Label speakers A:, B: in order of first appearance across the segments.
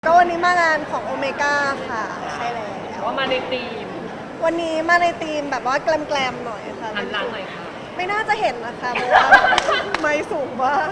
A: ก็วันนี้มางานของโอเมก้าค่ะใช่แล้ว
B: ว่ามาในทีม
A: วันนี้มาในธีมแบบว่าแกลมๆหน่อยค่ะ
B: หันหลังหน่อยค่ะ
A: ไม่น่าจะเห็นนะคะเพราะว่าไม่สูงมาก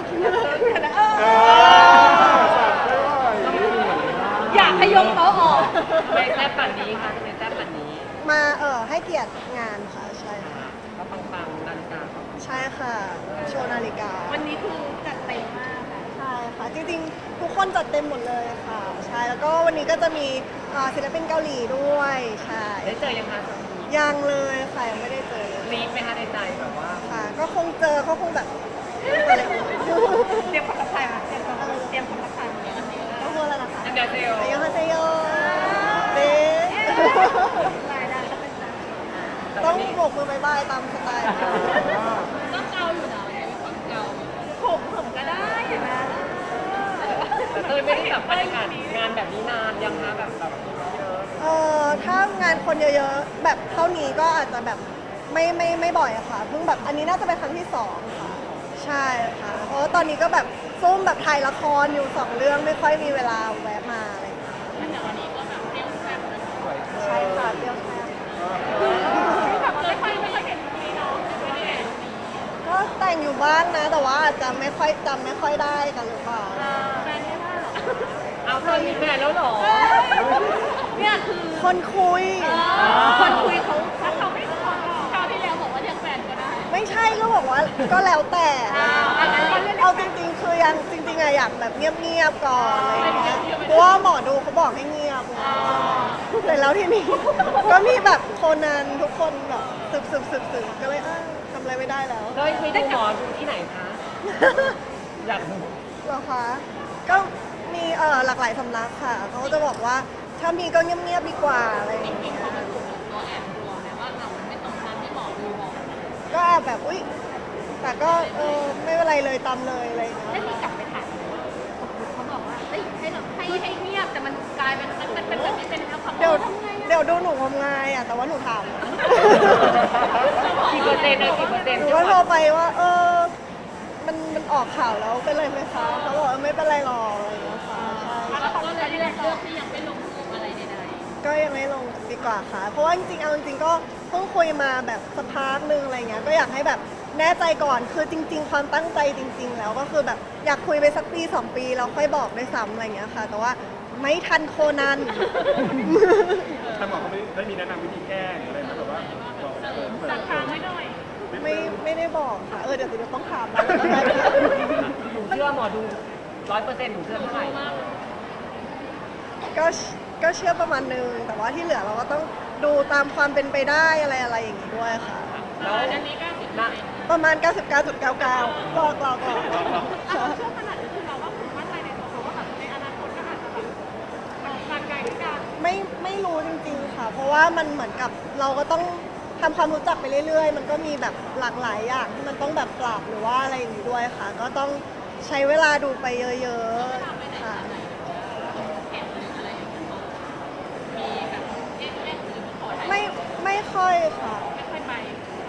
C: อยากให้ยกโต๊ะออก
B: ไม่แซ่บป่านนี้ค่ะทำไมแซ่บป่านนี้
A: มาให้เกียรติงานค่ะใช่ค่ะ
B: ก็ปังๆนาฬิกา
A: ใช่ค่ะโชว์นาฬิกา
C: วันนี้คือจัดเต็มมากอะ
A: ใช่ค่ะจริงๆทุกคนจัดเต็มหมดเลยค่ะใช่แล้วก็วันนี้ก็จะมีศิลปินเกาหลีด้วยใช่
B: ได้เจอยังคะ
A: ยังเลยค่ะยังไม่ได้เจอเลย
B: รีบไหมคะในใจแบบว่า
A: ค่ะก็คงเจอเขาคงแบบอะไรอย่างเงี้ย
C: เตรียมความทักทายมาเตรียมความทักทายมาวันนี้
A: ก็พูดแล้วนะคะ
B: อันเดอร์เซล
A: อายุฮาเซโยเบ๊
C: รายได้ก็เป็นแบบ
A: ต้องโบกมือบายบายตามสไตล์
C: ก็เกาอยู่นะวันนี้เป็นคนเกาผมก็ได้เห็นไหม
B: แต่เต้ยไม่ได้แบบบรรยากาศงานแบบนี้นานยังคะแบบเยอะ
A: ถ้างานคนเยอะๆ แบบเท่านี้ก็อาจจะแบบไม่บ่อยอะค่ะเพิ่งแบบอันนี้น่าจะเป็นครั้งที่2ค่ะใช่ค่ะเพราะว่าตอนนี้ก็แบบซุ่มแบบถ่ายละครอยู่2เรื่องไม่ค่อยมีเวลาแวะมาอะไรอย่างเงี้ย
C: แต่วันนี้ก็แบบเปรี้ยวแซ่บเลย
A: ใช่ค่ะเปรี้ยวแซ่บ
C: แบบว่าไม่ค่อยเห็นมีน้องไม่ได้เห็น
A: ก็แต่งอยู่บ้างนะ แต่ว่าอาจจะไม่ค่อยจำไม่ค่อยได้กันหรือเปล่า
C: แฟนไม่ได้หรอ
B: เอาเธอมีแฟนแล้วเหรอ
C: เนี่ยคือ
A: คนคุย
C: คนคุยเขาถ้าเขาไม่ขอคราวที่แล้วบอกว่าเรียกแฟนก็ได้
A: ไม่ใช่ก็บอกว่าก็แล้วแต่
C: อันนั้นก็เรียก
A: เอาจริงๆ คือยังจริงๆอะอยากแบบเงียบๆก่อนอะไรอย่างเงี้ยเพราะว่าหมอดูเขาบอกให้เงียบแต่แล้วทีนี้ ก็มีแบบโคนันทุกคนแบบสืบก็เลยทำอะไรไม่ได้แล้ว
B: เต้ยเคยดูหมอดูที่ไหนคะอยากดู
A: เหรอคะก็มีหลากหลายสำนักค่ะเขาก็จะบอกว่าถ้ามีก็เงียบๆดีกว่าอะไรอย่างเงี้ย
C: ตัวแอบกลัวไหมว่าเราไม่ตรงตามที่หมอดูบอก
A: ก็แอบแบบอุ๊ยแต่ก็ไม่เป็นไรเลยตามเลยอะไรอย่างเงี้ย
C: ได้มีกลับไปถามเขาบอกว่าเอ้ยให้เราให้เงียบแต่มันกลายเป็นมันเป็นแบบนี้เป็นแล้วเขา
A: เดี๋ยว
C: ทำไง
A: เดี๋ยวดูหนูงมงายอ่ะแต่ว่าหนูถาม
B: กี่เปอร์เซ็นต์อะกี่เปอร์เซ็นต์
A: หนูก็โทรไปว่ามันออกข่าวแล้วเป็นไรไหมคะเขาบอกไม่เป็นไรหรอกอะไรอย่างเงี้ยค่ะใช่
C: แล้วเขาก็เลยเลือกที่ยังไม่ลงรูปอะไรใด
A: ก็ยังไม่ลงดีกว่าค่ะ เพราะว่าจริงๆเอาจริงๆก็เพิ่งคุยมาแบบสักพักนึงอะไรเงี้ยก็อยากให้แบบแน่ใจก่อนคือจริง ๆ ความตั้งใจจริง ๆ แล้วก็คือแบบอยากคุยไปสักปี2 ปีแล้วค่อยบอกด้วยซ้ำอะไรเงี้ยค่ะ แต่ว่าไม่ทันโคนัน
D: ท่านหมอเขาไม่มีแนะนำวิธีแก้หรืออะไรนะแบบว่าบอกเปิด
C: ๆจัดทางไว้หน่อย
A: ไม่ได้บอกค่ะเดี๋ยวต้องถามนะ
B: หนูเชื่อหมอดู100%หนูเชื่อเท่าไหร่
A: ก็เชื่อประมาณนึงแต่ว่าที่เหลือเราก็ต้องดูตามความเป็นไปได้อะไรอย่างงี้ด้วยค่ะ
B: แล้ว
C: อันนี้ก็ติด
B: นะ
A: ประมาณ 99.99ก็
C: เราเชื่อขนาดนี้คือเราว่าคุณมั่นใจในตัวเขาว่าแบบในอนาคตก็อาจจะแบบการไกลด้วยกัน
A: ไม่รู้จริงๆค่ะ เพราะว่ามันเหมือนกับเราก็ต้องทำความรู้จักไปเรื่อยๆ มันก็มีแบบหลากหลายอย่างที่มันต้องแบบปรับหรือว่าอะไรอย่างนี้ด้วยค่ะ ก็ต้องใช้เวลาดูไปเยอะๆค่ะ ไม่ค่อยค่ะ
C: ไม่ค่อยไป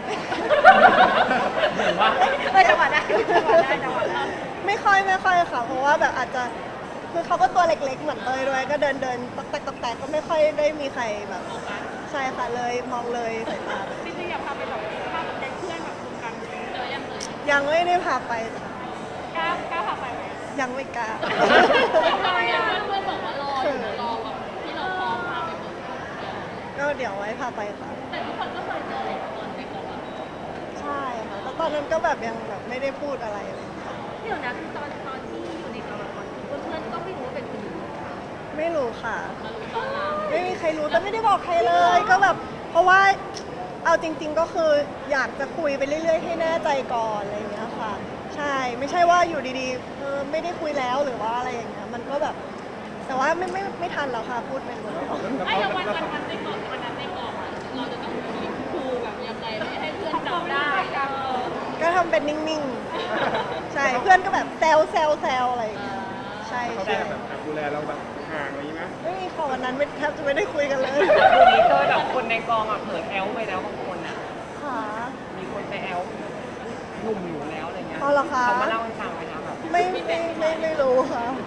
B: หรือว่า
C: จังหวะได้จังหวะได้
A: ไม่ค่อยค่ะ เพราะว่าแบบอาจจะคือเขาก็ตัวเล็กๆ เหมือนเตยด้วย ก็เดินตอกแตกก็ไม่ค่อยได้มีใครแบบใช่ค่ะเลยมองเลยสายตา
C: จริงๆอยากพาไปแบบพาแก๊งเพื่อนแบบรวมกันเจอยังเลย
A: ยังไม่ได้พาไป
C: กล้าพาไปไหม
A: ยังไม่กล้า
C: ทำไมอ่ะเพื่อนบอกว่ารออยู่รอแบบที่เราพร้อมพาไปหมด
A: ก็เดี๋ยวไว้พาไปค่ะ
C: แต่ทุกคนก็เคยเจอเลยตอนเด็กแล้วอะ
A: ใช่ค่ะแต่ตอนนั้นก็แบบยังแบบไม่ได้พูดอะไรเลยค่ะ
C: เดี๋ยวนะคือตอนที่อยู่ในกองละครเพื่อนๆก็ไม่รู้ว่าเป็นคนอื่น
A: ไม่รู้ค่ะ
C: มารู้ตอนหลัง
A: ไม่มีใครรู้แต่ไม่ได้บอกใครเลยก็แบบเพราะว่าเอาจริง ๆก็คืออยากจะคุยไปเรื่อยๆให้แน่ใจก่อนอะไรอย่างเงี้ยค่ะ ใช่ไม่ใช่ว่าอยู่ดีๆไม่ได้คุยแล้วหรือว่าอะไรอย่างเงี้ยมันก็แบบ แต่ว่าไม่ทันแล้วค่ะพูดไปหมดแล้ว
C: ไอ้วันในกองวันนั้นในกองอ่ะเราจะต้องครูแบบยังไงไม่ให้เพื่อนจำได้จัง
A: ก็ทำเป็นนิ่งๆ ใช่เพื่อนก็แบบแซวอะไรอย่างเงี้ยใช่
D: เขา
A: ใช่
D: แบบดูแลเราแบบห่างอะไรอย่างนี้ไหม
A: ไม่มีค่ะวันนั้นแทบจะไม่ได้คุยกันเลย
B: คู่นี้เต้ยแบบคนในกองอ่ะเผลอแอลไปแล้วบางคนอ่ะ
A: ค่ะ
B: มีคนไปแอลหนุ่มอยู่แล้วอะไรเงี้ย
A: อ๋อเหรอคะ
B: เขามาเล่าให้ฟังไหมคะแบบ
A: ไม่รู้ค่ะ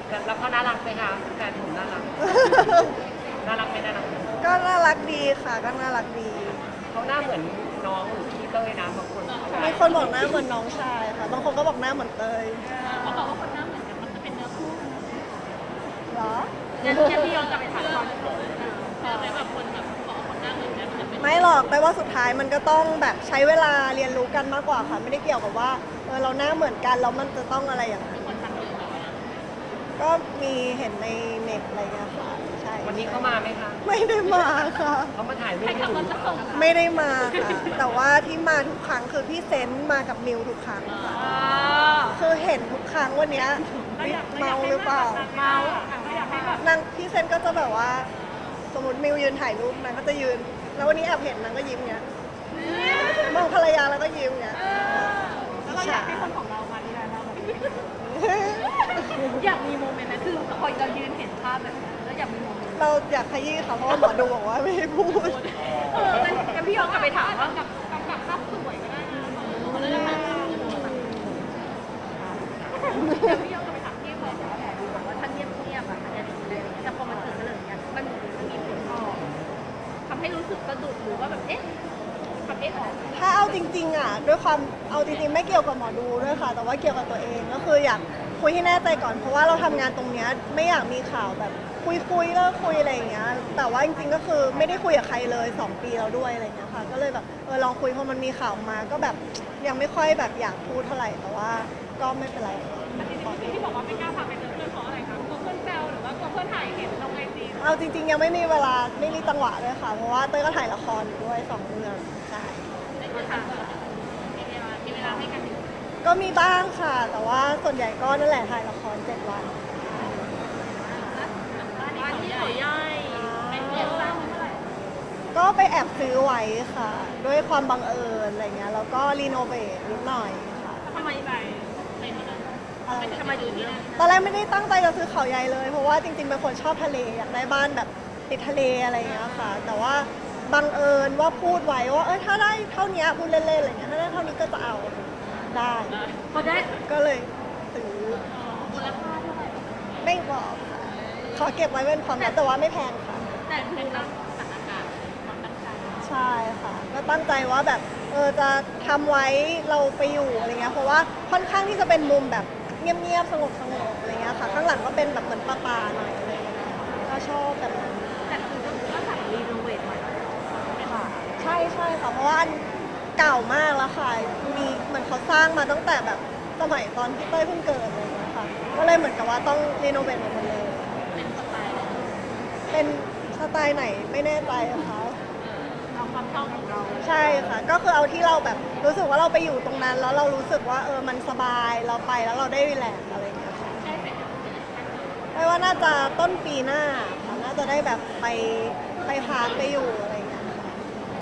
B: แล้วเขาน่ารักไหมคะแฟนผมน่ารักน่ารักไหมน่ารักไหม
A: ก็น่ารักดีค่ะก็น่ารักดี
B: เขาหน้าเหมือนน้องหรือพี่เต้ยนะบางคน
A: บางคนบอกหน้าเหมือนน้องชายค่ะบางคนก็บอกหน้าเหมือนเตย
C: เขาบอกว่าคนหน้าเหมือนกันมันจะเป็นเนื้อคู่
A: เหรอ
C: งั้นพี่ย้อนกลับไปถามก่อนแต่แบบคนแบบบอกคนหน้าเหมือนกันมันจะเป็น
A: ไม่หรอกแต่ว่าสุดท้ายมันก็ต้องแบบใช้เวลาเรียนรู้กันมากกว่าค่ะ ไม่ได้เกี่ยวกับว่าเราหน้าเหมือนกันแล้วมันจะต้องอะไรอย่างนั้น
C: คนทักเยอะแบบว่า
A: ก็มีเห็นในเน็ตอะไรเงี้ยค่ะใช่
B: วันนี้เขามาไหมคะ
A: ไม่ได้มาค่ะ
B: เขามาถ่ายรูป
C: ใคร
B: ให้
C: ขับ
B: ดู
C: รถจะส่ง
A: ไม่ได้มาค่ะ แต่ว่าที่มาทุกครั้งคือพี่เซนต์มากับมิวทุกครั้งค่ะคือเห็นทุกครั้งวันเนี้ยเมาหรือเปล่า
C: เมาอยากให้แบบ
A: นางพี่เซนต์ก็จะแบบว่า สมมติมิวยืนถ่ายรูปนางก็จะยืน แล้ววันนี้แอบเห็นนางก็ยิ้มเงี้ยมองภรรยาแล้วก็ยิ้มเงี้ย
C: แล้วเราอยากให้คนของเรามาดีแล้วเราอยากมีโมเมนต์นะคือพอเรายืนเห็นภาพแบบนั้นแล้วอยากมีโมเมนต์
A: เราอยากขยี้ค่ะเพราะว่าหมอดูบอกว่าไม่ให้พูด
C: งั้นพี่ย้อนกลับไปถามว่ากับภาพสวยก็ได้นะเขาจะมาเดี๋ยวพี่ย้อนกลับไปถามพี่บอกว่าแบบบอกว่าถ้าเงียบๆอ่ะอาจจะดีเลยแต่พอมันถึงเรื่องเนี้ยมันมีผลต่อทำให้รู้สึกสะดุดหรือว่าแบบเอ๊ะทำเอ๊ะออก
A: ถ้าเอาจริงๆอ่ะด้วยความเอาจริงๆไม่เกี่ยวกับหมอดูด้วยค่ะ แต่ว่าเกี่ยวกับตัวเองก็คืออยากคุยให้แน่ใจก่อนเพราะว่าเราทำงานตรงเนี้ยไม่อยากมีข่าวแบบคุยเลิกคุยอะไรอย่างเงี้ยแต่ว่าจริงๆก็คือไม่ได้คุยกับใครเลย2 ปีแล้วด้วยอะไรอย่างเงี้ยค่ะก็เลยแบบลองคุยพอมันมีข่าวมาก็แบบยังไม่ค่อยแบบอยากพูดเท่าไหร่แต่ว่าก็ไม่เป็นไรค่ะ
C: ที่บอกว่าไม่กล้าพาไปเจอเพื่อนเพราะอะไรคะกลัวเพื่อนแซวหรือว่ากลัวเพื่อนถ่ายเห็นลงไอจี
A: เอาจริงๆยังไม่มีเวลาไม่มีจังหวะด้วยค่ะเพราะว่าเต้ยก็ถ่ายละครอยู่ด้วย2 เรื่องใช่
C: ในคือถามมีเวลาให้กันอยู่
A: ก็มีบ้างค่ะ แต่ว่าส่วนใหญ่ก็นั่นแหละถ่ายละคร7 วัน
C: บ้านที่เขาใหญ่เป็นเรียนสร้างเมื่อไหร่
A: ก็ไปแอบซื้อไว้ค่ะ ด้วยความบังเอิญอะไรเงี้ยแล้วก็รีโนเวทนิดหน่อยค่ะ
C: ทำไมไปที่นั่นทำไมอยู่ที่นั่น
A: ตอนแรกไม่ได้ตั้งใจจะซื้อเขาใหญ่เลย เพราะว่าจริงๆเป็นคนชอบทะเลอยากได้บ้านแบบติดทะเลอะไรเงี้ยค่ะ แต่ว่าบังเอิญว่าพูดไว้ว่าถ้าได้เท่านี้พูดเล่นๆอะไรเงี้ยถ้าได้เท่านี้ก็จะเอาได้
C: พอได้
A: ก็เลยซื้อ
C: มูลค่าเท่าไหร่
A: ไม่บอกค่ะขอเก็บไว้เป็นความลับแต่ว่าไม่แพงค่ะ
C: แต่คือเราสถานการณ์ความตั้งใจ
A: ใช่ค่ะ ก็ตั้งใจว่าแบบจะทำไว้เราไปอยู่อะไรเงี้ยเพราะว่าค่อนข้างที่จะเป็นมุมแบบเงียบๆสงบอะไรเงี้ยค่ะ ข้างหลังก็เป็นแบบเหมือนป่าๆหน่อยอะไรเงี้ยก็ชอบแบบนั้น
C: แต่คือก็สั่งรีโนเวทใหม่
A: ค่ะใช่ใช่ค่ะเพราะว่าอันเก่ามากแล้วค่ะมีเหมือนเขาสร้างมาตั้งแต่แบบสมัยตอนพี่เต้ยเพิ่งเกิดอะไรเงี้ยค่ะก็เลยเหมือนกับว่าต้องรีโนเวทหมดเลย
C: เป็นสไตล์
A: เป็นสไตล์ไหนไม่แน่ใจอะค่ะ
C: เอาความชอบของเรา
A: ใช่ค่ะ ก็คือเอาที่เราแบบรู้สึกว่าเราไปอยู่ตรงนั้น แล้วเรารู้สึกว่ามันสบายเราไปแล้วเราได้รีแลกซ์อะไรอย่างเงี้ยค่ะ
C: ใช่เสร็จ
A: ไม่ว่าน่าจะต้นปีหน้าค่ะน่าจะได้แบบไปพักไปอยู่อะไร